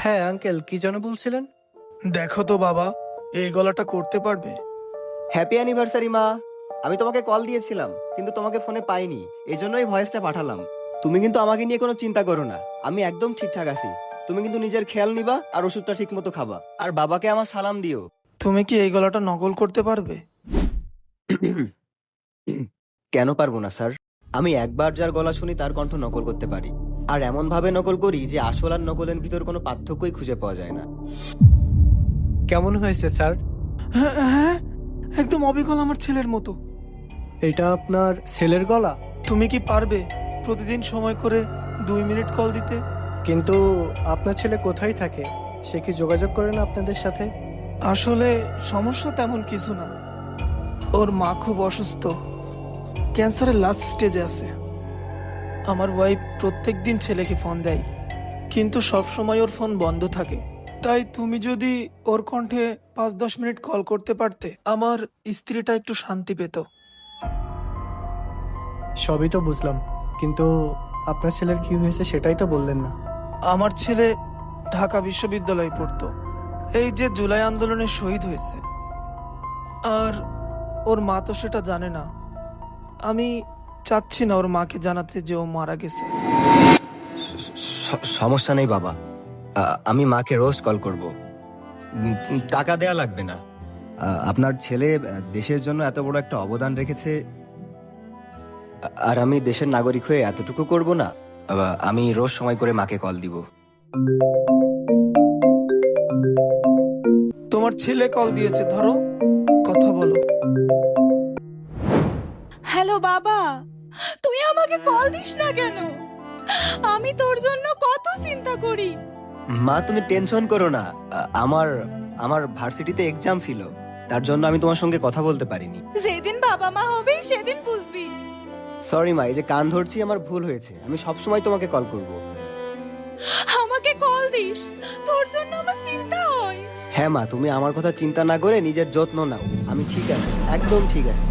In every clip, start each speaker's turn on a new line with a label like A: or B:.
A: হ্যাঁ আঙ্কেল, কি যেন বলছিলেন?
B: দেখো তো বাবা, এই গলাটা করতে পারবে?
C: হ্যাপি অ্যানিভার্সারি মা। আমি তোমাকে কল দিয়েছিলাম কিন্তু তোমাকে ফোনে পাইনি, এই জন্যই ভয়েসটা পাঠালাম। তুমি কিন্তু আমাকে নিয়ে কোনো চিন্তা করো না, আমি একদম ঠিকঠাক আছি। তুমি কিন্তু নিজের খেয়াল নিবা আর ওষুধটা ঠিক মতো খাবা, আর বাবাকে আমার সালাম দিও।
B: তুমি কি এই গলাটা নকল করতে পারবে?
C: কেন পারবো না স্যার? আমি একবার যার গলা শুনি তার কণ্ঠ নকল করতে পারি, আর এমন ভাবে নকল করি যে আসল আর নকলের ভিতর কোনো পার্থক্যই খুঁজে পাওয়া যায় না।
A: কেমন হয়েছে স্যার?
B: হ্যাঁ হ্যাঁ, একদম অবিকল আমার ছেলের মতো।
A: এটা আপনার ছেলের গলা?
B: তুমি কি পারবে প্রতিদিন সময় করে 2 মিনিট কল দিতে?
A: কিন্তু আপনার ছেলে কোথায় থাকে? সে কি যোগাযোগ করে না আপনাদের সাথে?
B: আসলে সমস্যা তেমন কিছু না, ওর মা খুব অসুস্থ, ক্যান্সারের লাস্ট স্টেজে আছে। আমার ওয়াইফ প্রত্যেকদিন ছেলেকে ফোন দেয়, কিন্তু সব সময় ওর ফোন বন্ধ থাকে। তাই তুমি যদি ওর কণ্ঠে 5-10 মিনিট কল করতে পারতে, আমার স্ত্রীটা একটু শান্তি পেত।
A: সবই তো বুঝলাম, কিন্তু আপনার ছেলের কি হয়েছে সেটাই তো বললেন না।
B: আমার ছেলে ঢাকা বিশ্ববিদ্যালয়ে পড়তো, এই যে জুলাই আন্দোলনে শহীদ হয়েছে, আর ওর মা তো সেটা জানে না। আমি চাচ্ছি না ওর মাকে জানাতে যে ও মারা গেছে।
C: সমস্যা নেই বাবা, আমি মাকে রোজ কল করব। টাকা দেয়া লাগবে না। আপনার ছেলে দেশের জন্য এত বড় একটা অবদান রেখেছে, আর আমি দেশের নাগরিক হয়ে এতটুকু করব না? আমি রোজ সময় করে মাকে কল দিব।
B: তোমার ছেলে কল দিয়েছে, ধরো, কথা বলো।
D: হ্যালো বাবা, তুই আমাকে কল দিস না কেন? আমি তোর জন্য কত চিন্তা করি।
C: মা তুমি টেনশন করো না, আমার আমার ভার্সিটিতে এক্সাম ছিল, তার জন্য আমি তোমার সঙ্গে কথা বলতে পারিনি।
D: যেদিন বাবা মা হবি সেদিন বুঝবি।
C: সরি মা, এই যে কান ধরছি আমার ভুল হয়েছে, আমি সব সময় তোমাকে কল করব।
D: আমাকে কল দিস, তোর জন্য আমার চিন্তা হয়।
C: হ্যাঁ মা, তুমি আমার কথা চিন্তা না করে নিজের যত্ন নাও, আমি ঠিক আছি, একদম ঠিক আছি।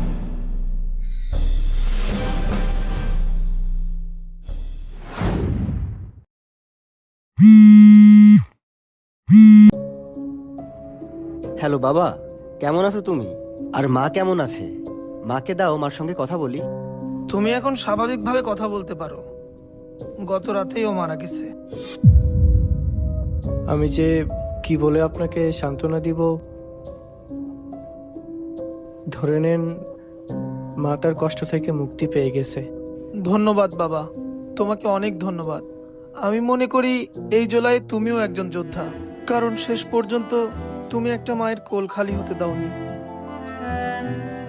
C: হ্যালো বাবা, কেমন আছো তুমি? আর মা কেমন আছে? মাকে দাও, মার সঙ্গে কথা বলি।
B: তুমি এখন স্বাভাবিকভাবে কথা বলতে পারো। গত রাতেই ও মারা গেছে।
A: আমি যে কি বলে আপনাকে সান্ত্বনা দিব। ধরে নেন, মা তার কষ্ট থেকে মুক্তি পেয়ে গেছে।
B: ধন্যবাদ বাবা, তোমাকে অনেক ধন্যবাদ। আমি মনে করি এই জুলাই তুমিও একজন যোদ্ধা, কারণ শেষ পর্যন্ত তুমি একটা মায়ের কোল খালি হতে দাওনি।